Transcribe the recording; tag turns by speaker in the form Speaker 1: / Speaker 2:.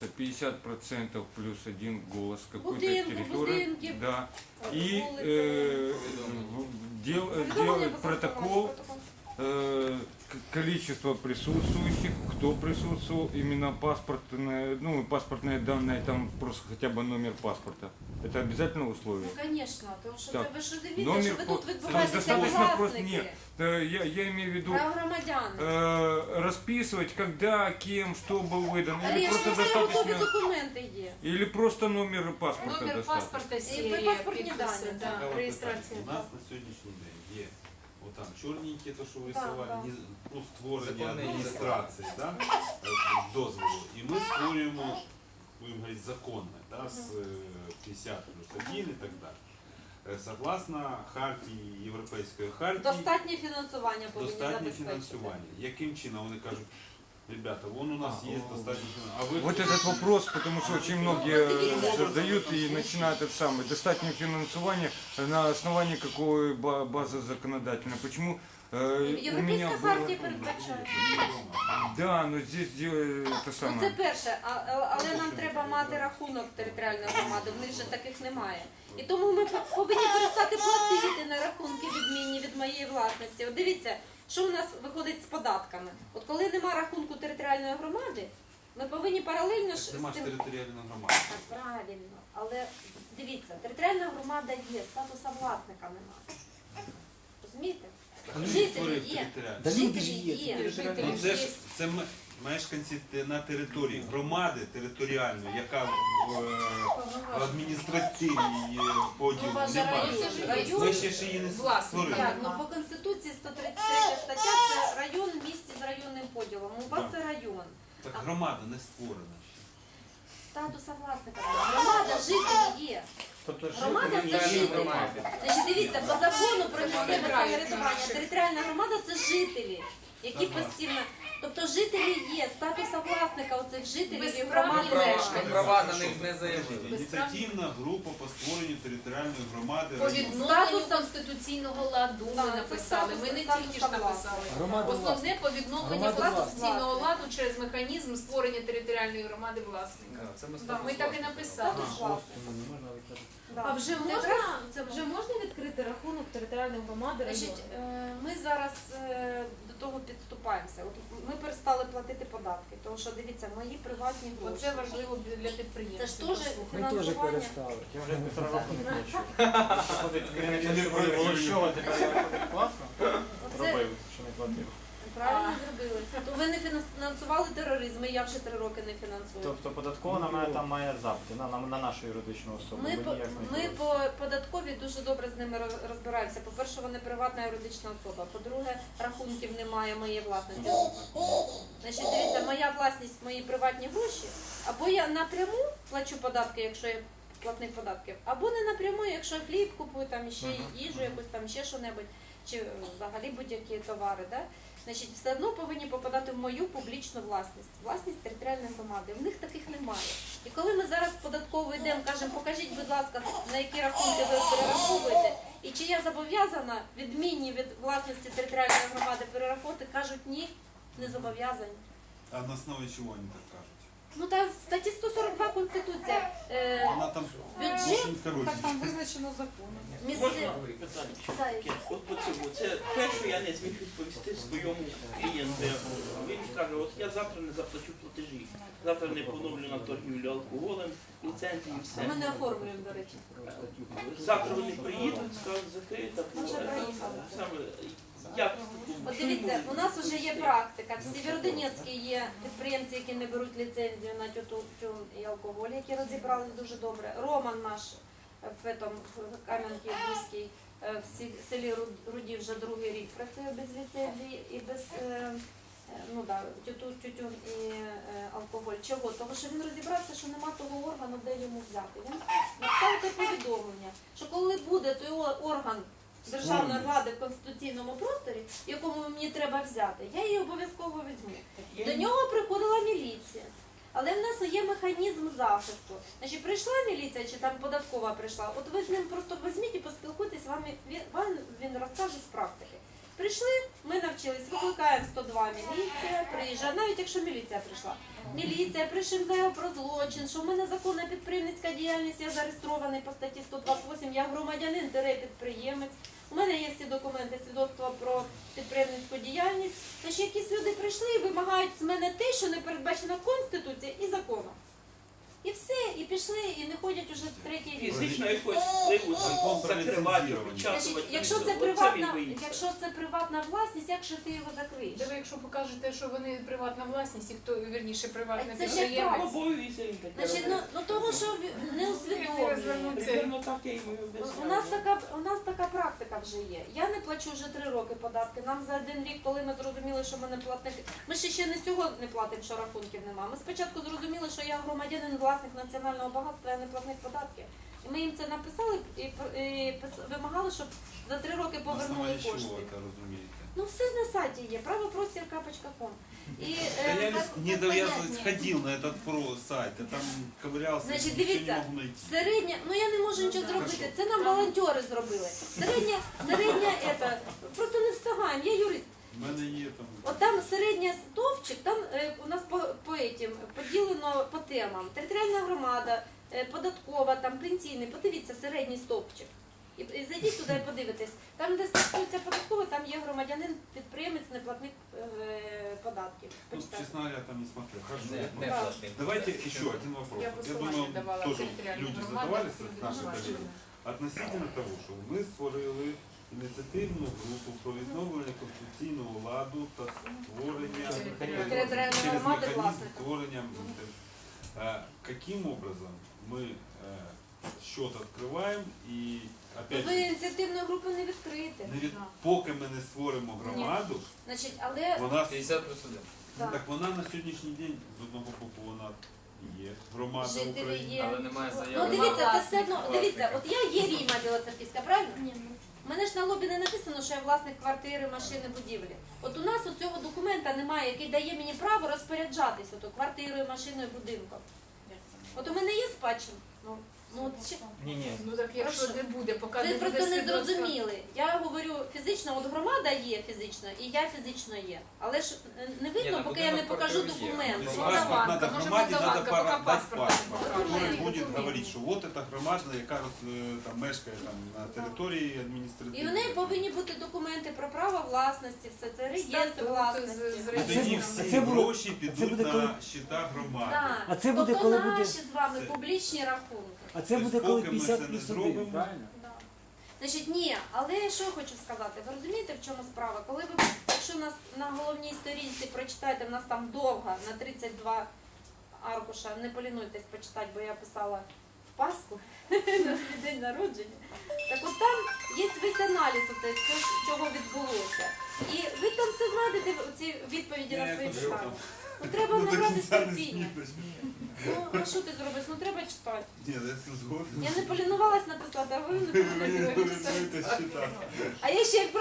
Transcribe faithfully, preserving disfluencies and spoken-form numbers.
Speaker 1: пятьдесят процентов плюс один голос какой-то
Speaker 2: Будинки,
Speaker 1: территории.
Speaker 2: будинки,
Speaker 1: Да. И
Speaker 2: улицы.
Speaker 1: э, дел, делать протокол э, к- количество присутствующих, кто присутствовал, именно паспортные, ну, паспортные данные, там просто хотя бы номер паспорта. Это обязательное условие?
Speaker 2: Ну, звісно, тому що
Speaker 1: Так.
Speaker 2: це ви ж розумієте,
Speaker 1: Номер
Speaker 2: що ви
Speaker 1: по-
Speaker 2: тут
Speaker 1: то есть
Speaker 2: відбуваєтеся
Speaker 1: достаточно просто
Speaker 2: власники,
Speaker 1: нет. Э, Я, я имею в виду
Speaker 2: прав громадян.
Speaker 1: э, расписывать, когда, кем, что был выдан, или
Speaker 2: Але ж
Speaker 1: просто
Speaker 2: це все готові
Speaker 1: достаточно,
Speaker 2: документи є.
Speaker 1: или просто номер паспорта
Speaker 3: Номер
Speaker 1: достаточно.
Speaker 3: паспорта,
Speaker 2: І
Speaker 3: серія,
Speaker 2: паспортні
Speaker 3: підписи,
Speaker 2: дані,
Speaker 3: да,
Speaker 2: так.
Speaker 4: Цікаве
Speaker 3: реєстрація.
Speaker 4: питання. У нас на сьогоднішній день є отам чорненькі, то що ви
Speaker 2: Так,
Speaker 4: рисували,
Speaker 2: так.
Speaker 4: ні- ну, створення
Speaker 5: Законний
Speaker 4: адміністрації, да? е, дозволу. І ми створюємо, будемо говорити, законне, да? з е, п'ятдесят плюс один і так далі. Е, Согласно хартії, Європейської хартії,
Speaker 2: Достатнє фінансування повинні
Speaker 4: достатнє
Speaker 2: забезпечити.
Speaker 4: фінансування. Яким чином вони кажуть, ребята, вон у нас
Speaker 1: А,
Speaker 4: є
Speaker 1: о,
Speaker 4: достатньо фінансування. А ви
Speaker 1: Вот этот вопрос, потому что очень многие э, задают и начинают это самое. Достаточное финансирование на основании какой ба- базы законодательной. Почему э, у меня
Speaker 2: Європейська
Speaker 1: было...
Speaker 2: хартія передбачає.
Speaker 1: Да, но здесь дело- это
Speaker 2: Ну, це
Speaker 1: самое.
Speaker 2: перше, а- а- але нам треба мати рахунок територіальної громади, в них же таких немає. І тому ми по- повинні перестати платити на рахунки відмінні від моєї власності. От дивіться, що у нас виходить з податками. От коли нема рахунку територіальної громади, ми повинні паралельно ж з
Speaker 4: Нема ж
Speaker 2: тим...
Speaker 4: територіальної громади.
Speaker 2: Так, правильно, але дивіться, територіальна громада є, статуса власника немає. Розумієте?
Speaker 4: Хто
Speaker 2: Жителі
Speaker 4: створив
Speaker 2: є.
Speaker 4: територіальну?
Speaker 5: Да люди
Speaker 2: Жителі
Speaker 5: ж є,
Speaker 2: є.
Speaker 5: це
Speaker 3: Жителі
Speaker 4: Ну, це ж
Speaker 3: є.
Speaker 4: це м- мешканці те- на території громади територіальної, яка в е, адміністративній е, поділ
Speaker 3: Ну, ваш
Speaker 4: немає.
Speaker 3: район це ж
Speaker 2: район.
Speaker 4: Ви ще ж її не
Speaker 3: Власник.
Speaker 4: створили.
Speaker 2: Як? Ну по Конституції сто тридцять третя стаття це район в місті з районним поділом. У вас
Speaker 4: Так.
Speaker 2: це район.
Speaker 4: Так громада не створена ще.
Speaker 2: Статуса власника. Громада, жителі є.
Speaker 5: Тобто
Speaker 2: Громада це жителі. Значить, дивіться, по закону про місцеве самоврядування територіальна громада це жителі, які
Speaker 4: Ага.
Speaker 2: постійно. Тобто жителі є, статуса власника оцих жителів і
Speaker 3: Безправні
Speaker 2: громади
Speaker 3: мешканці.
Speaker 2: немає.
Speaker 5: Права на них не заявили.
Speaker 4: Подождіть, Ініціативна група по створенню територіальної громади.
Speaker 3: По
Speaker 4: району.
Speaker 3: відновленню конституційного ладу ми
Speaker 2: Так,
Speaker 3: написали. Ми не
Speaker 2: статус
Speaker 3: тільки ж
Speaker 2: власності.
Speaker 3: написали.
Speaker 5: Громада
Speaker 3: Основне по відновленню
Speaker 5: Громада
Speaker 3: конституційного
Speaker 2: власності.
Speaker 3: ладу через механізм створення територіальної громади власника.
Speaker 5: Це ми
Speaker 3: Да, ми так і написали.
Speaker 2: Статус власника. Да.
Speaker 6: А вже
Speaker 2: Це
Speaker 6: можна,
Speaker 2: якраз це
Speaker 6: вже можна відкрити рахунок територіальної громади
Speaker 2: Значить,
Speaker 6: району?
Speaker 2: е, ми зараз е, до того підступаємося. От ми перестали платити податки, тому що дивіться, мої приватні гроші.
Speaker 3: Оце важливо для
Speaker 2: Це
Speaker 3: підприємців.
Speaker 2: ж теж
Speaker 3: послухати.
Speaker 5: Ми теж
Speaker 2: фінансування.
Speaker 5: перестали.
Speaker 7: Я вже півтора року не хочу. Що, тепер я виходить класно?
Speaker 2: Оце
Speaker 7: Робив, що не платив.
Speaker 2: правильно зробили. То ви не фінансували тероризм, і я вже три роки не фінансую.
Speaker 7: Тобто податкова на мене там має запити, на, на, на нашу юридичну особу.
Speaker 2: Ми,
Speaker 7: бо
Speaker 2: по,
Speaker 7: ніяк не
Speaker 2: ми
Speaker 7: було.
Speaker 2: по податковій дуже добре з ними роз- розбираємося. По-перше, вони приватна юридична особа. По-друге, рахунків немає моєї власності. Значить, дивіться, моя власність, мої приватні гроші, або я напряму плачу податки, якщо я платник податків, або не напряму, якщо я хліб купую, там ще їжу, якусь там ще що-небудь, чи е, взагалі будь-які товари. Да? Значить, все одно повинні попадати в мою публічну власність, власність територіальної громади. В них таких немає. І коли ми зараз в податкову йдемо, кажемо, покажіть, будь ласка, на які рахунки ви перераховуєте, і чи я зобов'язана відмінні від власності територіальної громади перераховувати, кажуть, ні, не зобов'язані.
Speaker 4: А на основі чого вони так кажуть?
Speaker 2: Ну та в статті сто сорок два Конституція. Е,
Speaker 4: Вона там
Speaker 2: бюджет,
Speaker 4: дуже коротка.
Speaker 3: Там визначено законом.
Speaker 2: місце...
Speaker 8: Можна питання? От по цьому. Це те, що я не зміг відповісти своєму клієнту. Він каже, от я завтра не заплачу платежі. Завтра не поновлю на торгівлю алкоголем, ліцензії, все.
Speaker 2: Ми не оформлюємо, до речі.
Speaker 8: Завтра вони приїдуть, скажуть, закрита.
Speaker 2: Вже приїхали.
Speaker 8: Саме, як?
Speaker 2: От дивіться, у нас вже є практика. В Сєвєродонецькій є підприємці, які не беруть ліцензію на тютюн і алкоголь, які розібрались дуже добре. Роман наш в этом, в Кам'янки-Бузькій, в сі- селі Ру- Руді вже другий рік працює без ліцензії і без е, е, ну, да, тютюн, тютюн і е, алкоголь. Чого? Тому що він розібрався, що нема того органу, де йому взяти. Він написав те повідомлення, що коли буде той о- орган державної влади в конституційному просторі, якому мені треба взяти, я її обов'язково візьму. До нього приходила міліція. Але в нас є механізм захисту. Значить, прийшла міліція чи там податкова прийшла, от ви з ним просто візьміть і поспілкуйтесь, вам він, вам він розкаже з практики. Прийшли, ми навчились, викликаємо сто два міліція, приїжджає, навіть якщо міліція прийшла. Міліція, пишемо заяву про злочин, що в мене законна підприємницька діяльність, я зареєстрований по статті сто двадцять вісім, я громадянин, підприємець. У мене є всі документи, свідоцтва про підприємницьку діяльність. Тож якісь люди прийшли і вимагають з мене те, що не передбачено Конституцією і законом. І все, і пішли, і не ходять уже третій рік.
Speaker 8: Фізично якось впливу
Speaker 4: Закон про
Speaker 8: закривати,
Speaker 4: ліцензування.
Speaker 8: опечатувати.
Speaker 2: Значить, якщо це
Speaker 8: Оце він
Speaker 2: приватна,
Speaker 8: боїться.
Speaker 2: якщо це приватна власність, як же ти його закриєш?
Speaker 3: Де ви, якщо покажете, що вони приватна власність, і хто, вірніше, приватний
Speaker 2: Це ж як
Speaker 3: підприємець.
Speaker 8: Обов'язується він таке
Speaker 2: Значить, ну,
Speaker 8: робити.
Speaker 2: ну того, що в- не усвідомлює.
Speaker 8: Примерно так я й
Speaker 2: У нас така у нас така практика вже є. Я не плачу вже три роки податки. Нам за один рік, коли ми зрозуміли, що ми не платники. Ми ще ще не цього не платимо, що рахунків немає. Ми спочатку зрозуміли, що я громадянин, власник національного багатства, я не платник податків. І ми їм це написали і, і пис- вимагали, щоб за три роки
Speaker 4: На
Speaker 2: повернули
Speaker 4: основании чего
Speaker 2: кошти.
Speaker 4: это розумієте?
Speaker 2: Ну все на сайті є, правопростір крапка ком. І
Speaker 4: Да
Speaker 2: е,
Speaker 4: я
Speaker 2: так-
Speaker 4: не,
Speaker 2: так
Speaker 4: да, я
Speaker 2: понятні.
Speaker 4: ходил на этот про сайт, я там ковырялся,
Speaker 2: Значить,
Speaker 4: ничего
Speaker 2: дивіться,
Speaker 4: не могу найти.
Speaker 2: середня, ну я не можу нічого зробити, це нам волонтери зробили. Середня, середня, ета, просто не встигаємо, я юрист.
Speaker 4: У мене є там.
Speaker 2: От там середня стовпчик, там е, у нас по, по этим поділено по темам. Територіальна громада, е, податкова, там пенсійний, подивіться середній стовпчик. І, і зайдіть туди і подивитесь. Там, де стосується податково, там є громадянин, підприємець, неплатник е, податків.
Speaker 4: Ну,
Speaker 2: Почитайте.
Speaker 4: честно говоря, там не смотрел. Хорошо.
Speaker 5: Не,
Speaker 4: я
Speaker 5: не
Speaker 2: Да.
Speaker 5: платний.
Speaker 4: Давайте еще один вопрос.
Speaker 3: Я
Speaker 4: Вот Я
Speaker 3: посилання
Speaker 4: думаю,
Speaker 3: давала
Speaker 4: тоже
Speaker 3: територіальну
Speaker 4: люди
Speaker 3: громаду,
Speaker 4: задавались,
Speaker 3: люди
Speaker 4: наши
Speaker 3: давали.
Speaker 4: коллеги. Относительно того, що ми створили ініціативну групу про відновлення конституційного ладу та створення
Speaker 2: Територіальної
Speaker 4: через
Speaker 2: громади
Speaker 4: механізм
Speaker 2: власника.
Speaker 4: створення. Е, Каким образом ми е, счет відкриваємо і опять
Speaker 2: Ви
Speaker 4: же,
Speaker 2: ініціативної групи не відкрите.
Speaker 4: не від, поки ми не створимо громаду,
Speaker 2: Значить, але
Speaker 4: вона
Speaker 5: п'ятдесят плюс один.
Speaker 2: так,
Speaker 4: так вона на сьогоднішній день з одного боку вона є громада
Speaker 2: жителі
Speaker 4: України.
Speaker 2: є.
Speaker 5: Але немає
Speaker 2: Ну
Speaker 5: заяви.
Speaker 2: дивіться, це все одно,
Speaker 5: Власника.
Speaker 2: дивіться, от я є Ріма Білоцерківська, правильно? У мене ж на лобі не написано, що я власник квартири, машини, будівлі. От у нас у цього документа немає, який дає мені право розпоряджатися ото квартирою, машиною, будинком. От у мене є спадщина. Ну, ну от ще-
Speaker 7: Ні, ні.
Speaker 3: Ну так якщо
Speaker 2: Прошу.
Speaker 3: не буде, поки
Speaker 2: ви
Speaker 3: не буде
Speaker 2: просто не
Speaker 3: свідоцтва.
Speaker 2: зрозуміли. Я говорю фізично, от громада є фізично, і я фізично є. Але ж е, не
Speaker 5: Ні,
Speaker 2: видно,
Speaker 5: на
Speaker 2: поки я не
Speaker 5: будинок
Speaker 2: покажу
Speaker 5: квартиру є.
Speaker 2: документи.
Speaker 4: Если
Speaker 3: Ну,
Speaker 4: паспорт
Speaker 3: Молдаванка,
Speaker 4: надо
Speaker 3: може,
Speaker 4: громаде, надо
Speaker 3: Молдаванка,
Speaker 4: пора-
Speaker 3: поки
Speaker 4: дать
Speaker 3: паспорт
Speaker 4: паспорт,
Speaker 3: не
Speaker 4: который
Speaker 3: покаже.
Speaker 4: будет говорить, что вот эта громада, яка е, там мешкає там на території адміністративної.
Speaker 2: І в неї повинні бути документи про право власності, все це реєстр
Speaker 3: Статути
Speaker 2: власності.
Speaker 3: з- з
Speaker 4: І
Speaker 3: реєстром.
Speaker 4: тоді
Speaker 7: А
Speaker 4: всі
Speaker 7: це буде-
Speaker 4: гроші
Speaker 7: а це
Speaker 4: підуть
Speaker 7: буде
Speaker 4: на
Speaker 7: коли-
Speaker 4: щита громади.
Speaker 2: Так.
Speaker 7: А це буде,
Speaker 2: тобто
Speaker 7: коли буде-
Speaker 2: наші з вами
Speaker 4: Це-
Speaker 2: публічні рахунки.
Speaker 7: А це буде
Speaker 4: Тобто,
Speaker 7: коли
Speaker 4: поки ми це
Speaker 7: п'ятдесят
Speaker 4: не
Speaker 7: плюс
Speaker 4: зробимо,
Speaker 7: один, правильно?
Speaker 2: Значить, ні, але що я хочу сказати, ви розумієте, в чому справа? Коли ви, якщо нас на головній сторінці прочитаєте, в нас там довга, на тридцять два аркуша, не полінуйтесь почитати, бо я писала в Пасху на свій день народження. Так от там є весь аналіз оце, все, чого відбулося. І ви там все знайдете, ці відповіді на
Speaker 4: Я
Speaker 2: свої
Speaker 4: хочу
Speaker 2: питання.
Speaker 4: там.
Speaker 2: Ну треба
Speaker 4: Ну, до
Speaker 2: набрати
Speaker 4: кінця не
Speaker 2: терпіння.
Speaker 4: смієш.
Speaker 2: Ну, а що ти зробиш? Ну треба читати.
Speaker 4: Ні, я це згоден.
Speaker 2: Я не полінувалась написати, а ви не полінувалися.
Speaker 4: Це щита.
Speaker 2: А я ще й